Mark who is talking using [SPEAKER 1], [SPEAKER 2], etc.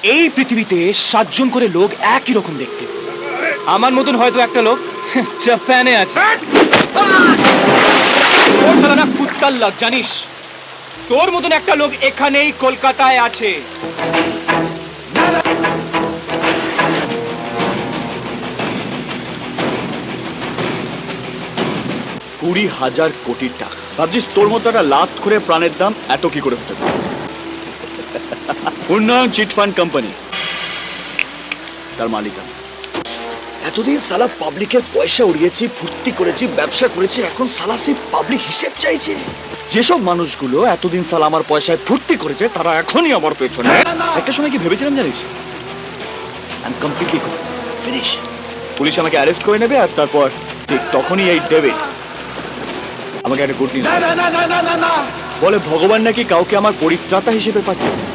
[SPEAKER 1] এই পৃথিবীতে 7 জন করে লোক একই রকম দেখতে। আমার মতন হয়তো একটা লোক জাপানে আছে। তোর চালানা কুত্তার লাগ, জানিস? তোর মতন একটা লোক এখানেই কলকাতায় আছে।
[SPEAKER 2] 20,000 কোটি টাকা। ভাবছিস তোর মতো একটা লাখ করে প্রাণের দাম এত কি করে হতে পারে? উন্নয়ন চিট ফান্ড কোম্পানি, তার মালিক আমি।
[SPEAKER 3] এতদিন সালা পাবলিকের পয়সা উড়িয়েছি, ফুর্তি করেছি, ব্যবসা করেছি, এখন সালা সেই পাবলিক হিসেব চাইছে।
[SPEAKER 2] যেসব মানুষগুলো এতদিন সালা আমার পয়সায় ফুর্তি করেছে তারা এখনই আমার পেছনে। একটা সময় কি ভেবেছিলাম জানিস, আমি কমপ্লিটলি ফিনিশ। পুলিশ আমাকে অ্যারেস্ট করে নেবে আর তারপর ঠিক তখনই এই ডেভিড আমাকে একটা গুড নিউজ বলে, ভগবান নাকি কাউকে আমার পরিত্রাতা হিসেবে পাঠিয়েছে।